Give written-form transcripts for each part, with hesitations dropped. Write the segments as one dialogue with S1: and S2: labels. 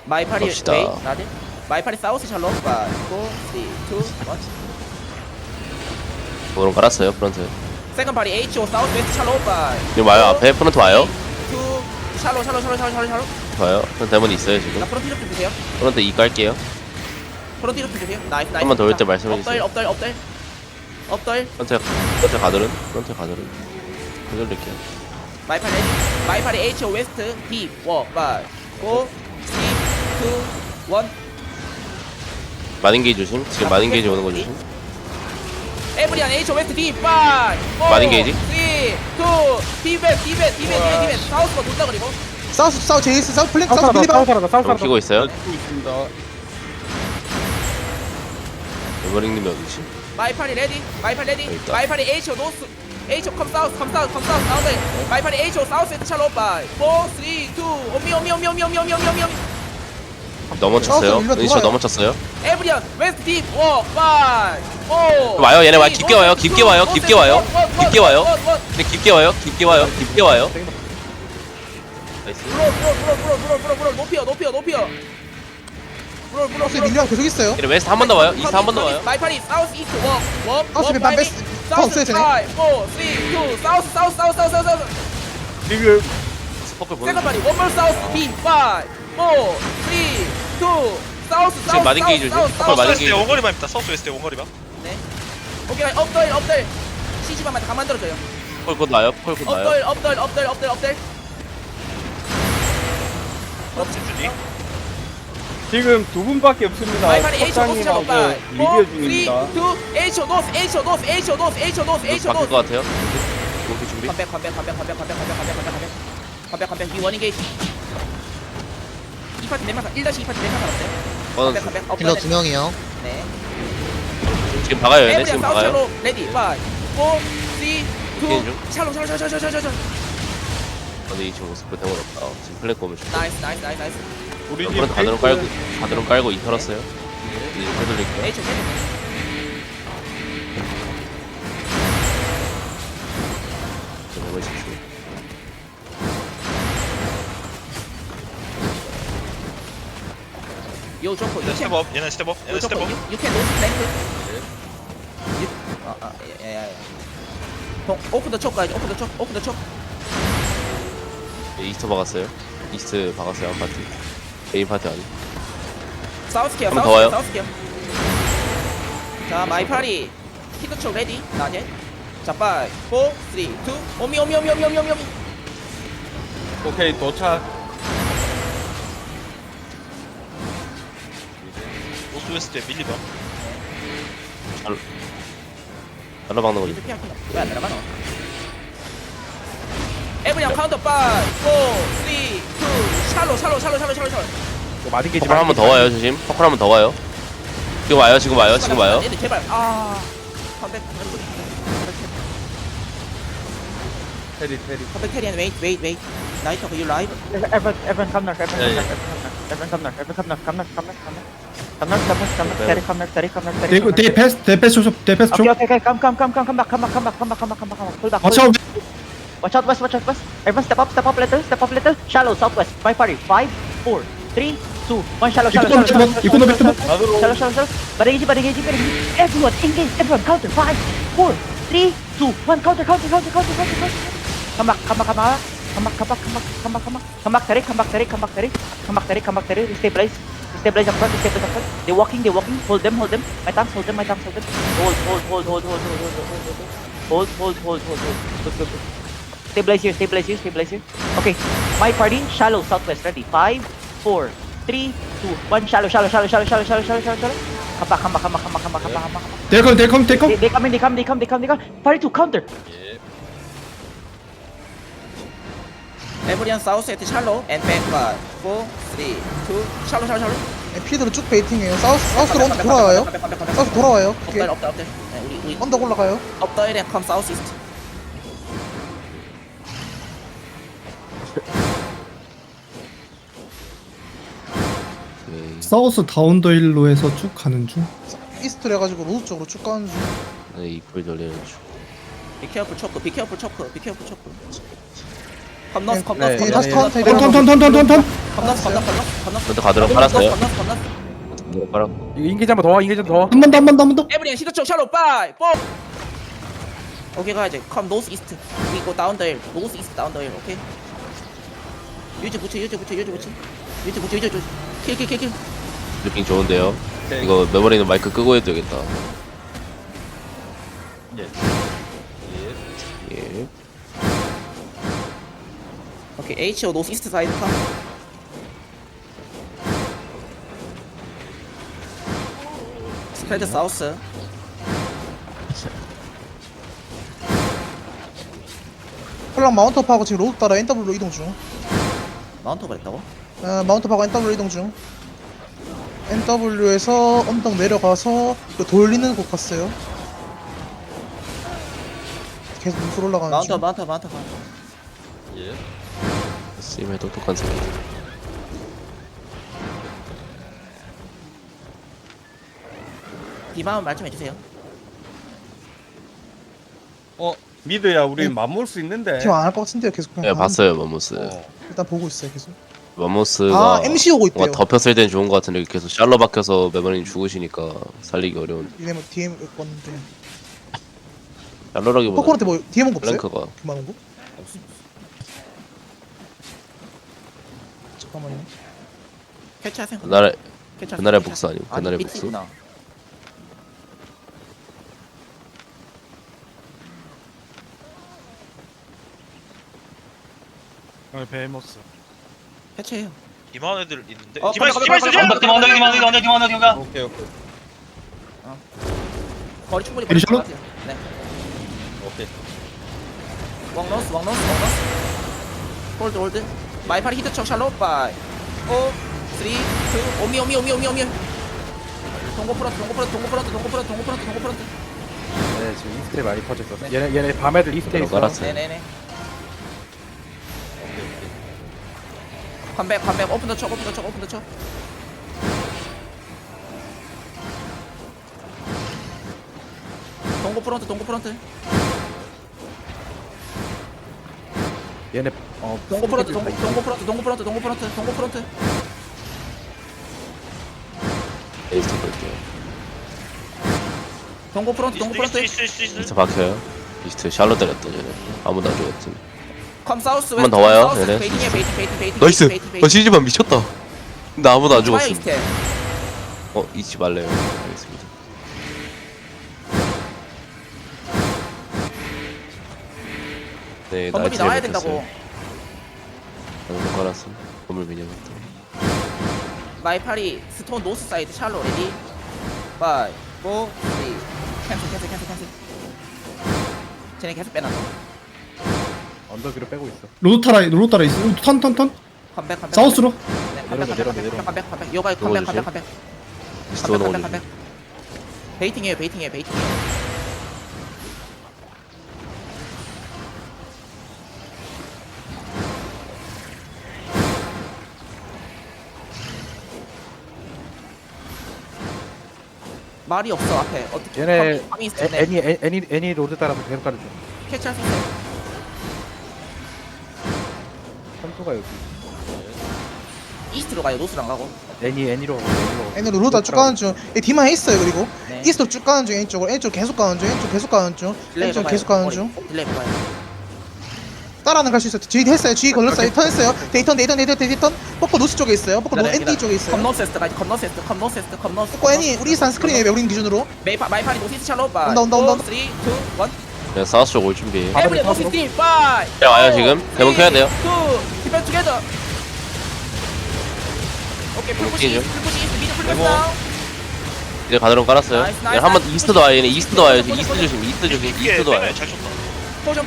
S1: 마이 파리
S2: 갑시다.
S1: 웨이 나들. 마이 파리 사우스 샬롯 5 4 3 2 1.
S2: 오른 깔았어요 프런트.
S1: 세컨 파리 HO 사우스 웨스트 샬롯 5
S2: 지금 와요 앞에 프런트 와요.
S1: 2 샬롯
S2: 와요. 프런트 데몬이 있어요
S1: 나
S2: 지금.
S1: 프론트 좀 주세요.
S2: 프런트 2 깔게요.
S1: 프론트 좀 주세요. 나이스 나이스.
S2: 한번 더 올 때 말씀해주세요.
S1: 업덜
S2: 프런트 가드른. 프런트 가드른. 해드릴게요.
S1: 마이 파리 HO 웨스트 D 5 5 4 3 2 1.
S2: 마딘게이 조심. 지금 마딘게이지 오는 거 조심.
S1: 에브리안 HO 웨스트 D 5 4
S2: 마딘 게이지?
S1: 3 2 디벳 사우스가 돈다 그리고
S3: 사우스 제이스 사우스 플랭크 사우스
S4: 사우스
S3: 밀리바
S4: 살아다 사우스
S2: 좀
S4: 살아다.
S2: 키고 있어요.
S4: 있습니다.
S2: 에버링님이 어디지?
S1: 마이 파리 레디
S2: 여기 있다.
S1: 마이 파리 HO 노스 HO 컴 사우스 사운드 마이 파리 HO 사우스 웨스트 샬롯 5 4 3 2 오미
S2: 넘어쳤어요.
S3: 일로
S2: 은시오
S3: 들어와요.
S2: 넘어쳤어요.
S1: 에브리안 웨스트 D 5 5
S2: 와요, 얘네 깊게 와요. 깊게 와요. 깊게 와요. 깊게 와요. 근데 깊게 와요. 깊게 와요. 깊게 와요. 나이스.
S1: 브롤 높여
S3: 사우스 밀리바 계속 있어요.
S2: 얘네 웨스트 한 번 더 와요. 이스트 한 번 더 와요.
S1: 마이 파리 사우스 이스트 워
S3: 사우스 밀리바 베스트
S1: 사우스
S3: 없어요 쟤네
S1: 5 4 3 2 사우스
S4: 지금
S2: 스포클 보는
S1: 세컨 파리 원몰 사우스 B 5 4 3 2 사우스
S2: 지금 마딘 게이지 조심. 스포클 마딘
S5: 웨스트에
S2: 게이지.
S5: 원거리만 있다. 서스 웨스트에 원거리만.
S1: 네 오케이 업덜 CG만 다 만들어줘요
S2: 스포클 곧 와요. 스포클 곧 와요.
S1: 업덜
S5: 집주디.
S4: 지금 두 분밖에 없습니다.
S1: 마이 파리 H 노스
S4: 석장님하고
S1: 작업
S4: 리뷰 중입니다.
S1: 4 3 2 H 노스
S2: 바뀔 것 같아요. 오케이 준비.
S1: 컴백 위 원인 게이지 2파티 4명 1-2파티 4명 살았어요 컴백
S3: 딜러 2명이요
S1: 네
S2: 지금 박아요. 얘네
S1: 에브리안
S2: 지금
S1: 사우스
S2: 박아요.
S1: 샬로 레디 5 4 3 2
S2: 스캔 중.
S1: 샬로
S2: 근데 이 친구 스포 대본 없다. 지금 플랫 오면 좀.
S1: 나이스
S4: 우리 집
S2: 프런트 가드론 깔고 이 털었어요. 이제 해드릴게요.
S1: H
S2: 지금 보고 있을게요.
S1: 요 좋고
S5: 얘네 스텝업. 얘네 스텝업. 얘네 스텝업.
S1: You can lose flank. 오픈 더 촉 가야지. 오픈 더 촉.
S2: 네, 이스트 박았어요. 이스트 박았어요 한 파티. 메인 파티 아니.
S1: 사우스 케어.
S2: 한번 더 와요.
S1: 사우스 케어. 자, 마이 파리. 히트 촉 레디. 나제. 자, 5 4 3 2 오미.
S4: 오케이 도착.
S5: 노스 웨스트에 밀리바.
S2: 잘라 박는 거지.
S1: 이렇게 할게. 왜안 들어가노? 에브리언 카운터 5 4 3 2 샬로.
S4: 마딘 게이지.
S2: 퍼클 한 번 더 와요 조심. 퍼클 한 번 더 와요. 지금 와요.
S1: 얘들 제발. 컴백.
S4: 테리.
S1: 컴백 캐리언 웨이트. 나이트 유 라이브.
S6: Everyone come north,
S7: They pass Joseph, they pass
S6: Okay,
S7: Joseph.
S6: okay, come back. Pull back.
S7: Watch out.
S6: Watch out west. Everyone step up little. Shallow, southwest. My party. 5, 4, 3, 2, 1. Shallow.
S7: 이코노 뱉으면
S6: Shallow. Barrage. Everyone engage. Everyone counter. 5, 4, 3, 2, 1. Counter. Come back. Come back, Terry. Stabilize up front. They're walking. Hold them. My thumbs, hold them. Hold. Good. Stabilize here. Okay. My party, shallow, southwest, ready. 5, 4, 3, 2, 1. Shallow. Come back.
S7: They come.
S6: They come. Party 2, counter.
S1: 에브리언 사우스 에트 샬로 앤 백 5 4 3 2 샬로
S3: 피드로 쭉 베이팅해요 사우스로 언더 돌아와요 사우스 돌아와요 오케이
S1: 업들 우리
S3: 언더 올라가요
S1: 업더일에 컴 사우스 이스트
S7: 사우스 다운더힐로 해서 쭉 가는 중.
S3: 이스트로 해가지고 로드 쪽으로 쭉 가는 중
S2: 네, 이불 돌리는 중.
S1: 비케어풀 초크 컴 노스
S3: 네, 다시 카운터
S7: 턴.
S1: 건너스
S2: 근데 가드론 깔았어요.
S1: 건너스
S2: 가드론 깔아.
S4: 이거 인게이지 한번 더 인게이지 더.
S7: 한 번 더 한 번 더 한 번 더.
S1: 에브리언 시드 쪽 샬롯 바이 뽀 오케이 가야지 컴 노스 이스트 이거 다운 더 힐 노스 이스트 다운 더 힐 오케이 유지 붙여 킬킬킬킬
S2: 느낌 좋은데요.
S4: 오케이.
S2: 이거 메모리는 마이크 끄고 해도 되겠다.
S4: 예.
S2: 예.
S1: 오케이 HO 노스 이스트 사이드 컴 스프레드 사우스
S3: 폴랑 마운트업하고 지금 로드 따라 NW로 이동 중.
S1: 마운트가 있다고?
S3: 마운트업하고 NW로 이동 중. NW에서 언덕 내려가서 그 돌리는 곳 갔어요. 계속 무술 올라가는 중.
S1: 마운트
S4: 예.
S2: 쓰임의 똑똑한 사람.
S1: 디마운 말 좀 해주세요
S4: 미드야 우리 맞물 수 있는데.
S3: 팀 안 할 것 같은데요. 계속 그냥
S2: 네,
S3: 가는
S2: 봤어요, 맘모스.
S3: 일단 보고 있어요. 계속.
S2: 맘모스가
S3: MC 오고 있대요.
S2: 뭔가 덮였을 땐 좋은 것 같은데 계속 샬러 박혀서 메모리는 죽으시니까 살리기 어려운.
S3: 이네 뭐 DM 왔는데.
S2: 샬러라기보다
S3: 포코한테 뭐 DM 온 거 없어요?
S2: 플랭크가
S3: 그만 온 거? 잠깐만요.
S1: 캐치하세요
S2: 그날의
S1: 캐치하세요.
S2: 그날의 복수 아니고
S1: 아니,
S2: 그날의 복수.
S1: 밑이구나.
S5: 베모스.
S1: 캐치해요
S5: 이만 애들 있는데.
S1: 어,
S5: 디마이스
S1: 가봐, 가봐,
S4: 오케이 오케이
S1: 거리 충분히
S7: 에리
S1: 벌릴 것
S7: 샬롯?
S1: 같아요. 네
S4: 오케이.
S1: 왕노스 홀드 마이파리 히트 척 샬롯 바이 5 3 2 오미 동고 프런트
S4: 네 지금 이스트에 많이 퍼졌어. 얘네 밤애들 이스트에
S2: 그대로
S4: 있어.
S2: 깔았어요.
S1: 네네네 컴백 오픈 더 척 동고 프런트
S4: 얘네
S1: 동고 프런트
S2: 에이스 볼게요.
S1: 동고 프런트
S2: 이스트 박혀요. 이스트 샬러 때렸다 쟤네. 아무도 안 죽었지.
S1: 컴 사우스
S2: 한번더 와요, 얘네.
S1: 베이팅
S2: 나이스. 시즈만 미쳤다. 근데 아무도 안 죽었음.
S1: 이스트
S2: 잊지 말래요. 알겠습니다. 네,
S1: 건물이 나와야 된다고
S2: 못 깔았음. 건물 미녀부터.
S1: 마이파리 스톤 노스 사이드 샬로 레디 5 4 3 캔슬 쟤네 계속 빼놨어
S4: 언덕 위로 빼고 있어.
S7: 로드 따라 있어. 턴
S1: 컴백
S7: 사우스로.
S1: 컴백 요가 컴백
S2: 이스트 오는 거
S1: 베이팅이에요 말이 없어 앞에 어떻게
S4: 얘네
S1: 밤이 있을 때
S4: 애니 로드 따라서 계속 가는 중.
S1: 캐치할 수 있어요
S4: 선수가 여기.
S1: 이스트로 가요 노스로 안 가고
S4: 애니로
S3: N으로 로드 쭉 가는 중. D만 있어요. 그리고
S1: 네.
S3: 이스트로 쭉 가는 중. N쪽으로 계속 가는 중. N쪽 계속 가는 중.
S1: 딜레이 봐요
S3: 따라는 갈 수 있어요. G 했어요. G 걸렸어요. 턴했어요. 데이턴. 뽀뽀 노스 쪽에 있어요. 뽀뽀 ND 쪽에 있어요.
S1: 컴노세스트까지 컴노스
S3: 뽀뽀 애니 우리 이스트 스크린이에요. 우린 기준으로.
S1: 마이파리 노시스 샬롯 바
S3: 온다.
S1: 3 2 1
S2: 그냥 사우스 쪽 올 준비.
S1: 에브리 노시스 팀 5
S2: 자, 와요, 지금. 대본 켜야 돼요.
S1: 2 디펜 투게더 오케이 풀푸시
S2: 오케이죠.
S1: 미드 풀푸시
S2: 대본.
S1: 다운
S2: 이제 가드론 깔았어요.
S1: 나이스,
S2: 얘네 한번 이스트도 와요. 얘네 이스트도 와요. 지금 이스트 조심.
S5: 이게
S2: 이스트도 와요.
S5: 잘 쳤다.
S1: 포션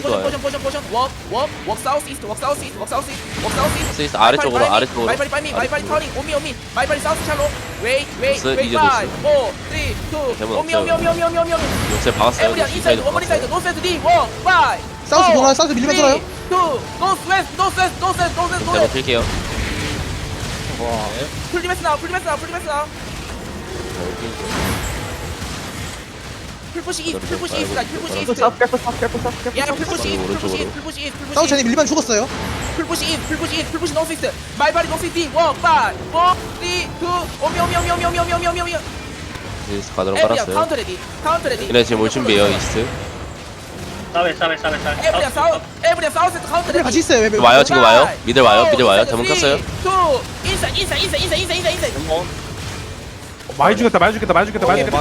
S1: 워크 사우스 이스트
S2: 스위스 아래쪽으로.
S1: 마이파리 터닝 오미 마이파리 사우스 샬로 웨이
S2: 노스,
S1: 5 4 3 2
S2: 이제 노스. 대본
S1: 오미
S2: 요새 박았어요.
S1: 에브리언 인사이드 원거리 사이드 노스에드 D 1 5
S3: 사우스 돌아요. 사우스 밀리면 돌아요.
S1: 2 노스 웨스트
S2: 대본 킬게요.
S1: 풀리메스 나와 풀푸시 이스트 야 풀푸시 이스트
S2: 오른쪽으로.
S1: 풀푸시 이스트
S3: 사우스 쟤네 밀리면 죽었어요.
S1: 풀푸시 인 풀푸시 인 풀푸시 노스 이스트 말바리 노스 이스트 1 5 4 3 2 오미
S2: 이스트 가드론
S1: 에브리야
S2: 깔았어요.
S1: 카운터 레디 카운터 레디
S2: 얘네 지금 올 준비해요 이스트.
S1: 에브리야 사우스 카운터 레디
S3: 같이 있어요. 왜
S2: 와요 지금 와요. 미들 와요. 미들 와요. 대문 꼈어요.
S1: 2 인사
S4: 많이 죽였다 많이 죽였다 많이 죽였다 많이 죽였다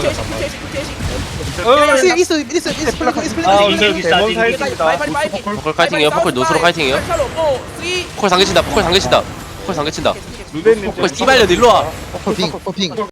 S2: 포컬 카이팅이에요. 포컬 노스로 카이팅이에요. 포컬 상계친다. 포컬 상계친다. 포컬 상계친다.
S4: 루덴님
S2: 포컬 씨발려 일로 와.
S3: 퍼핑.